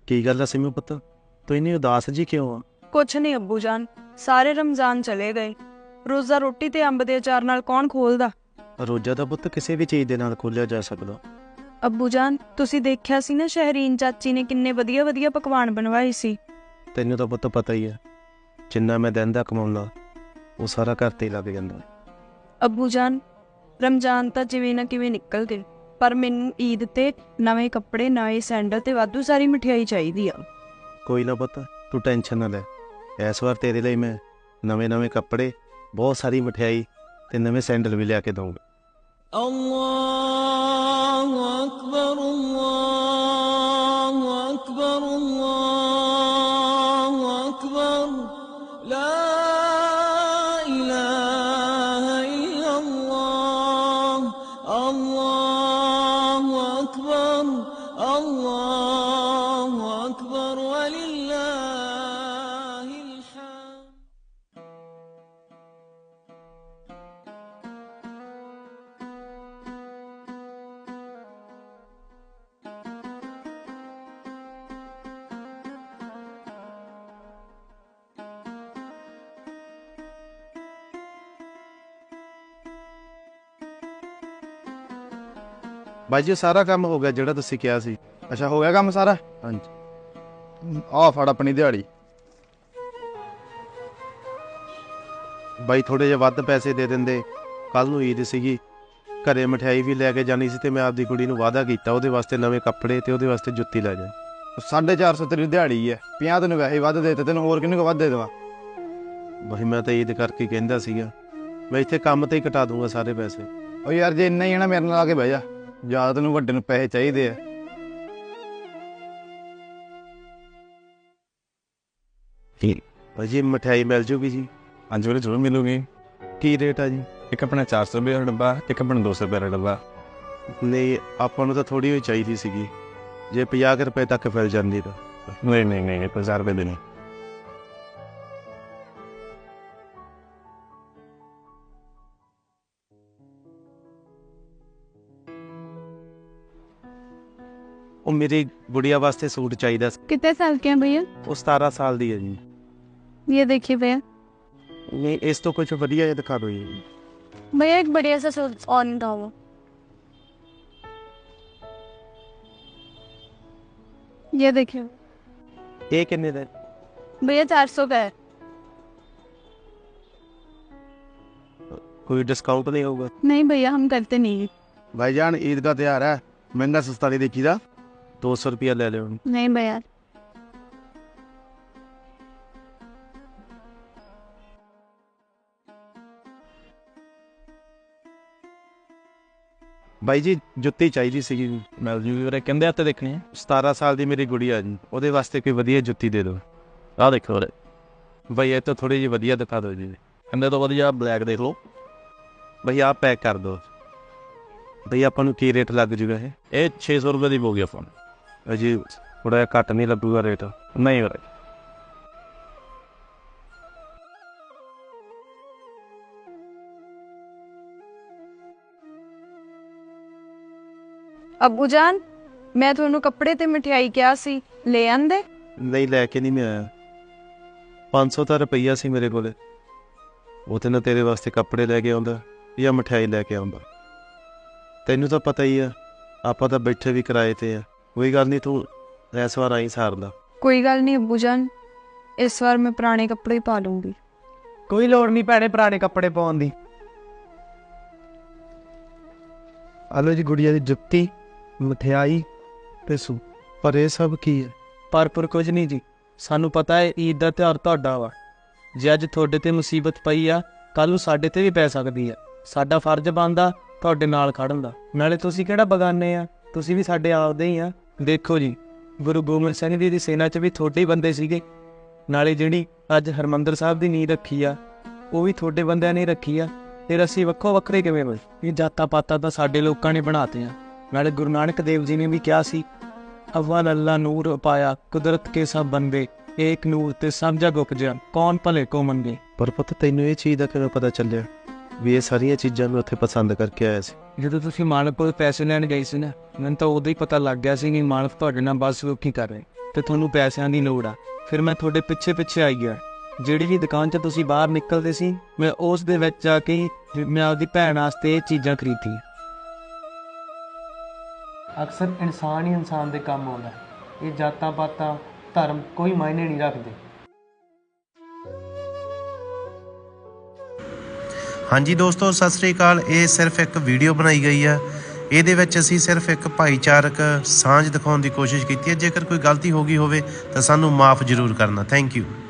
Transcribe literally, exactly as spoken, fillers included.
ਕੀ ਗੱਲ ਆ ਸਿਮੂ ਪੁੱਤ, ਤੂੰ ਇੰਨੀ ਉਦਾਸ ਜੀ ਕਿਉਂ ਆ? ਕੁਛ ਨਹੀਂ ਅੱਬੂ ਜਾਨ, ਸਾਰੇ ਰਮਜ਼ਾਨ ਚਲੇ ਗਏ। ਰੋਜ਼ਾ ਰੋਟੀ ਤੇ ਅੰਬ ਦੇ ਅਚਾਰ ਨਾਲ ਕੌਣ ਖੋਲਦਾ? ਰੋਜ਼ਾ ਦਾ ਪੁੱਤ ਕਿਸੇ ਵੀ ਚੀਜ਼ ਦੇ ਨਾਲ ਖੋਲਿਆ ਜਾ ਸਕਦਾ। ਅੱਬੂ ਜਾਨ, ਤੁਸੀਂ ਦੇਖਿਆ ਸੀ ਨਾ ਸ਼ਹਿਰੀਨ ਚਾਚੀ ਨੇ ਕਿੰਨੇ ਵਧੀਆ ਵਧੀਆ ਪਕਵਾਨ ਬਣਵਾਏ ਸੀ। ਤੈਨੂੰ ਤਾਂ ਪੁੱਤ ਪਤਾ ਹੀ ਆ, ਜਿੰਨਾ ਮੈਂ ਦਿਨ ਦਾ ਕਮਾਉਂਦਾ ਉਹ ਸਾਰਾ ਘਰ ਤੇ ਹੀ ਲੱਗ ਜਾਂਦਾ। ਅੱਬੂ ਜਾਨ, ਰਮਜ਼ਾਨ ਤਾਂ ਜਿਵੇਂ ਨਾ ਕਿਵੇਂ ਨਿਕਲ ਗਏ, ਪਰ ਮੈਨੂੰ ਈਦ ਤੇ ਨਵੇਂ ਕੱਪੜੇ, ਨਵੇਂ ਸੈਂਡਲ ਤੇ ਵਾਧੂ ਸਾਰੀ ਮਠਿਆਈ ਚਾਹੀਦੀ ਆ। ਕੋਈ ਨਾ ਪੁੱਤ, ਤੂੰ ਟੈਨਸ਼ਨ ਨਾ ਲੈ। ਇਸ ਵਾਰ ਤੇਰੇ ਲਈ ਮੈਂ ਨਵੇਂ ਨਵੇਂ ਕੱਪੜੇ, ਬਹੁਤ ਸਾਰੀ ਮਠਿਆਈ ਤੇ ਨਵੇਂ ਸੈਂਡਲ ਵੀ ਲਿਆ ਕੇ ਦਊਂਗਾ। ਅੱਲਾਹੁ ਅਕਬਰ, ਅੱਲਾਹੁ ਅਕਬਰ, ਅੱਲਾਹੁ ਅਕਬਰ, ਲਾ ਇਲਾਹਾ ਇਲੱਲਾਹ, ਅੱਲਾਹੁ ਅਕਬਰ, ਅੱਲਾਹੁ ਅਕਬਰ, ਵਲਿੱਲਾਹਿਲ ਹਮਦ। ਬਾਈ ਜੀ ਸਾਰਾ ਕੰਮ ਹੋ ਗਿਆ ਜਿਹੜਾ ਤੁਸੀਂ ਕਿਹਾ ਸੀ। ਅੱਛਾ, ਹੋ ਗਿਆ ਕੰਮ ਸਾਰਾ? ਹਾਂਜੀ ਆਹ ਫੜ ਆਪਣੀ ਦਿਹਾੜੀ। ਬਾਈ ਥੋੜੇ ਜਿਹੇ ਵੱਧ ਪੈਸੇ ਦੇ ਦਿੰਦੇ, ਕੱਲ ਨੂੰ ਈਦ ਸੀਗੀ, ਘਰੇ ਮਠਿਆਈ ਵੀ ਲੈ ਕੇ ਜਾਣੀ ਸੀ ਤੇ ਮੈਂ ਆਪਦੀ ਕੁੜੀ ਨੂੰ ਵਾਅਦਾ ਕੀਤਾ ਉਹਦੇ ਵਾਸਤੇ ਨਵੇਂ ਕੱਪੜੇ ਤੇ ਉਹਦੇ ਵਾਸਤੇ ਜੁੱਤੀ ਲੈ ਜਾ। ਸਾਢੇ ਚਾਰ ਸੌ ਤੇਰੀ ਦਿਹਾੜੀ ਹੈ, ਪੰਜਾਹ ਤੈਨੂੰ ਵੈਸੇ ਵੱਧ ਦੇ ਦਿੱਤੇ, ਤੈਨੂੰ ਹੋਰ ਕਿੰਨੇ ਕੁ ਵੱਧ ਦੇ ਦੇਵਾਂ? ਬਾਈ ਮੈਂ ਤਾਂ ਈਦ ਕਰਕੇ ਕਹਿੰਦਾ ਸੀਗਾ, ਮੈਂ ਇੱਥੇ ਕੰਮ ਤੇ ਹੀ ਕਟਾ ਦੂੰਗਾ ਸਾਰੇ ਪੈਸੇ। ਉਹ ਯਾਰ ਜੇ ਇੰਨਾ ਹੀ ਹੈ ਨਾ, ਮੇਰੇ ਨਾਲ ਆ ਕੇ ਬਹਿ ਜਾ। ਜ਼ਿਆਦਾ ਤੈਨੂੰ ਵੱਡੇ ਨੂੰ ਪੈਸੇ ਚਾਹੀਦੇ ਆ। ਬਾਈ ਜੀ ਮਠਿਆਈ ਮਿਲ ਜੂਗੀ ਜੀ? ਹਾਂਜੀ ਵੀਰੇ, ਜ਼ਰੂਰ ਮਿਲੂਗੀ। ਕੀ ਰੇਟ ਆ ਜੀ? ਇੱਕ ਆਪਣਾ ਚਾਰ ਸੌ ਰੁਪਏ ਦਾ ਡੱਬਾ, ਇੱਕ ਆਪਣਾ ਦੋ ਸੌ ਰੁਪਏ ਦਾ ਡੱਬਾ। ਨਹੀਂ, ਆਪਾਂ ਨੂੰ ਤਾਂ ਥੋੜੀ ਹੋਈ ਚਾਹੀਦੀ ਸੀਗੀ, ਜੇ ਪੰਜਾਹ ਕੁ ਰੁਪਏ ਤੱਕ ਮਿਲ ਜਾਂਦੀ ਤਾਂ। ਨਹੀਂ ਨਹੀਂ ਨਹੀਂ, ਪੰਜਾਹ ਰੁਪਏ ਦੇ ਨਹੀਂ। ਉਹ ਮੇਰੀ ਗੁੜੀਆ ਵਾਸਤੇ सूट चाहिए। कितने साल के हैं भैया? वो सतारह साल दी है जी। ये देखिए भैया। नहीं, इस तो कुछ बढ़िया ये दिखा दो ये। भैया एक बढ़िया सा सूट ऑन था वो। ये देखिए ये कितने का? भैया चार सौ का है। कोई डिस्काउंट नहीं होगा? नहीं भैया, हम करते नहीं। भाईजान ईद का त्योहार है, महंगा सस्ता नहीं देखीदा। दो सौ रुपया ले लो। नहीं भैया। ਬਾਈ ਜੀ ਜੁੱਤੀ ਚਾਹੀਦੀ ਸੀਗੀ। ਮਿਲ ਜੂਗੀ ਵੀਰੇ, ਕਹਿੰਦੇ ਹੱਥ ਦੇਖਣੇ ਆ। ਸਤਾਰਾਂ ਸਾਲ ਦੀ ਮੇਰੀ ਗੁੜੀਆ ਜੀ, ਉਹਦੇ ਵਾਸਤੇ ਕੋਈ ਵਧੀਆ ਜੁੱਤੀ ਦੇ ਦਿਓ। ਆਹ ਦੇਖੋ ਵੀਰੇ, ਬਾਈ ਇਹ ਤਾਂ ਥੋੜੀ ਜਿਹੀ ਵਧੀਆ ਦਿਖਾ ਦਿਓ ਜੀ। ਕਹਿੰਦੇ ਤੋਂ ਵਧੀਆ ਬਲੈਕ ਦੇਖ ਲਓ। ਬਾਈ ਆਹ ਪੈਕ ਕਰ ਦਿਓ। ਬਾਈ ਆਪਾਂ ਨੂੰ ਕੀ ਰੇਟ ਲੱਗ ਜੂਗਾ ਇਹ? ਇਹ ਛੇ ਸੌ ਰੁਪਏ ਦੀ ਪਊਗੀ ਫੋਨ। ਅਜੀ ਥੋੜਾ ਜਿਹਾ ਘੱਟ ਨਹੀਂ ਲੱਗੂਗਾ ਰੇਟ? ਨਹੀਂ ਵੀਰੇ। ਅੱਬੂ ਜਾਨ, ਮੈਂ ਤੁਹਾਨੂੰ ਕੱਪੜੇ ਤੇ ਮਠਿਆਈ ਕਿਹਾ ਸੀ, ਲੈ ਆਂਦੇ? ਨਹੀਂ, ਲੈ ਕੇ ਨਹੀਂ ਮੈਂ ਆਇਆ। ਪੰਜ ਸੌ ਤਾਂ ਰੁਪਈਆ ਸੀ ਮੇਰੇ ਕੋਲ, ਉਹ ਤੇ ਨਾ ਤੇਰੇ ਵਾਸਤੇ ਕੱਪੜੇ ਲੈ ਕੇ ਆਉਂਦਾ ਜਾਂ ਮਠਿਆਈ ਲੈ ਕੇ ਆਉਂਦਾ। ਤੈਨੂੰ ਤਾਂ ਪਤਾ ਹੀ ਆ, ਆਪਾਂ ਤਾਂ ਬੈਠੇ ਵੀ ਕਿਰਾਏ ਤੇ ਆ। ਕੋਈ ਗੱਲ ਨਹੀਂ, ਤੂੰ ਇਸ ਵਾਰ ਆਈ ਸਾਰਦਾ। ਕੋਈ ਗੱਲ ਨਹੀਂ ਅੱਬੂ ਜਾਨ, ਇਸ ਵਾਰ ਮੈਂ ਪੁਰਾਣੇ ਕੱਪੜੇ ਪਾ ਲੂੰਗੀ। ਕੋਈ ਲੋੜ ਨਹੀਂ ਭੈਣੇ ਪੁਰਾਣੇ ਕੱਪੜੇ ਪਾਉਣ ਦੀ। ਆਲੋ ਜੀ ਗੁੜੀਆ ਦੀ ਜੁੱਤੀ, ਮਠਿਆਈ ਤੇ ਸੂ। ਪਰ ਇਹ ਸਭ ਕੀ ਹੈ? ਪਰ ਪਰ ਕੁਝ ਨਹੀਂ ਜੀ, ਸਾਨੂੰ ਪਤਾ ਹੈ ਈਦ ਦਾ ਤਿਉਹਾਰ ਤੁਹਾਡਾ ਵਾ। ਜੇ ਅੱਜ ਤੁਹਾਡੇ ਤੇ ਮੁਸੀਬਤ ਪਈ ਆ, ਕੱਲ ਨੂੰ ਸਾਡੇ ਤੇ ਵੀ ਪੈ ਸਕਦੀ ਆ। ਸਾਡਾ ਫਰਜ਼ ਬਣਦਾ ਤੁਹਾਡੇ ਨਾਲ ਖੜਨ ਦਾ। ਨਾਲੇ ਤੁਸੀਂ ਕਿਹੜਾ ਬਗਾਨੇ ਆ, ਤੁਸੀਂ ਵੀ ਸਾਡੇ ਆਪਦੇ ਹੀ ਆ। ਦੇਖੋ ਜੀ, ਗੁਰੂ ਗੋਬਿੰਦ ਸਿੰਘ ਜੀ ਦੀ ਸੈਨਾ 'ਚ ਵੀ ਤੁਹਾਡੇ ਹੀ ਬੰਦੇ ਸੀਗੇ। ਨਾਲੇ ਜਿਹੜੀ ਅੱਜ ਹਰਿਮੰਦਰ ਸਾਹਿਬ ਦੀ ਨੀਂਹ ਰੱਖੀ ਆ, ਉਹ ਵੀ ਤੁਹਾਡੇ ਬੰਦਿਆਂ ਨੇ ਰੱਖੀ ਆ। ਫਿਰ ਅਸੀਂ ਵੱਖੋ ਵੱਖਰੇ ਕਿਵੇਂ ਹੋਏ? ਇਹ ਜਾਤਾਂ ਪਾਤਾਂ ਤਾਂ ਸਾਡੇ ਲੋਕਾਂ ਨੇ ਬਣਾਤੇ ਆ। ਨਾਲੇ ਗੁਰੂ ਨਾਨਕ ਦੇਵ ਜੀ ਨੇ ਵੀ ਕਿਹਾ ਸੀ, ਅਵਲ ਅੱਲਾ ਨੂਰ ਪਾਇਆ ਕੁਦਰਤ ਕੇ ਸਭ ਬੰਦੇ, ਏਕ ਨੂਰ ਤੇ ਸਭ ਜਗ ਉਪਜਿਆ, ਕੌਣ ਭਲੇ ਕੋ ਮੰਗੇ। ਪਰ ਪੁੱਤ ਤੈਨੂੰ ਇਹ ਚੀਜ਼ ਦਾ ਕਿਵੇਂ ਪਤਾ ਚੱਲਿਆ ਵੀ ਇਹ ਸਾਰੀਆਂ ਚੀਜ਼ਾਂ ਮੈਂ ਉੱਥੇ ਪਸੰਦ ਕਰਕੇ ਆਇਆ ਸੀ? ਜਦੋਂ ਤੁਸੀਂ ਮਾਲਕ ਕੋਲ ਪੈਸੇ ਲੈਣ ਗਏ ਸੀ ਨਾ, ਮੈਨੂੰ ਤਾਂ ਉਦੋਂ ਹੀ ਪਤਾ ਲੱਗ ਗਿਆ ਸੀ ਕਿ ਮਾਲਕ ਤੁਹਾਡੇ ਨਾਲ ਬਸ ਕੀ ਕਰ ਰਹੇ। ਤੇ ਤੁਹਾਨੂੰ ਪੈਸਿਆਂ ਦੀ ਲੋੜ ਆ। ਫਿਰ ਮੈਂ ਤੁਹਾਡੇ ਪਿੱਛੇ ਪਿੱਛੇ ਆਈ ਗਿਆ। ਜਿਹੜੀ ਵੀ ਦੁਕਾਨ 'ਚ ਤੁਸੀਂ ਬਾਹਰ ਨਿਕਲਦੇ ਸੀ, ਮੈਂ ਉਸ ਦੇ ਵਿੱਚ ਜਾ ਕੇ ਹੀ ਮੈਂ ਆਪਦੀ ਭੈਣ ਵਾਸਤੇ ਇਹ ਚੀਜ਼ਾਂ ਖਰੀਦੀਆਂ। ਅਕਸਰ ਇਨਸਾਨ ਹੀ ਇਨਸਾਨ ਦੇ ਕੰਮ ਆਉਂਦਾ। ਇਹ ਜਾਤਾਂ ਪਾਤਾਂ ਧਰਮ ਕੋਈ ਮਾਇਨੇ ਨਹੀਂ ਰੱਖਦੇ। ਹਾਂਜੀ ਦੋਸਤੋ, ਸਤਿ ਸ੍ਰੀ ਅਕਾਲ। ਇਹ ਸਿਰਫ ਇੱਕ ਵੀਡੀਓ ਬਣਾਈ ਗਈ ਆ। ਇਹਦੇ ਵਿੱਚ ਅਸੀਂ ਸਿਰਫ ਇੱਕ ਭਾਈਚਾਰਕ ਸਾਂਝ ਦਿਖਾਉਣ ਦੀ ਕੋਸ਼ਿਸ਼ ਕੀਤੀ ਹੈ। ਜੇਕਰ ਕੋਈ ਗਲਤੀ ਹੋ ਗਈ ਹੋਵੇ ਤਾਂ ਸਾਨੂੰ ਮਾਫ ਜ਼ਰੂਰ ਕਰਨਾ। Thank you.